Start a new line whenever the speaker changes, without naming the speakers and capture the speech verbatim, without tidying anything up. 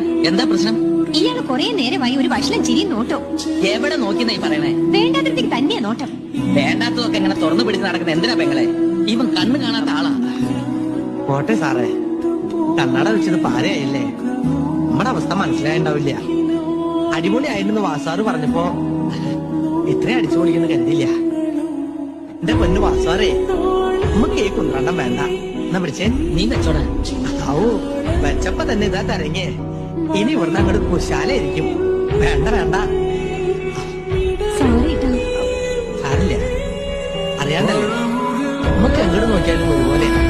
എന്താ പ്രശ്നം?
ഇയാള് കൊറേ നേരമായി ഒരു വഷളം ചിരിയും നോട്ടോ.
എവിടെ നോക്കിന്നാ ഈ പറയണേ?
വേണ്ടാത്തടത്തേക്ക് തന്നെയാ നോട്ടം.
വേണ്ടാത്തതൊക്കെ ഇങ്ങനെ തുറന്നു പിടിച്ച് നടക്കുന്ന എന്തിനാ പെങ്ങളെ? ഇവൻ കണ്ണു കാണാത്ത ആളാ.
പോട്ടെ സാറേ, കണ്ണട വെച്ചത് പാരയായില്ലേ? നമ്മുടെ അവസ്ഥ മനസ്സിലായിണ്ടാവില്ല. അടിപൊളിയായിരുന്നു വാസാറ് പറഞ്ഞപ്പോ ഇത്രയും അടിച്ചു പൊളിക്കുന്ന കരുതില്ല. എന്റെ പൊന്നു വാസാറേ, നമുക്ക് ഈ കുന്ത്രണ്ടം വേണ്ട. എന്നാ പിടിച്ചേ,
നീ വെച്ചോടാ.
ഔ വെച്ചപ്പോ തന്നെ ഇതാ തരങ്ങേ. ഇനി ഇവിടുന്ന് അങ്ങോട്ട് കുശാലായിരിക്കും. വേണ്ട വേണ്ട
സോറി ട്ടോ.
സാരില്ല, അറിയാണ്ടല്ലേ നമുക്ക് എങ്ങോട്ട് നോക്കിയാലും ഒരുപോലെ.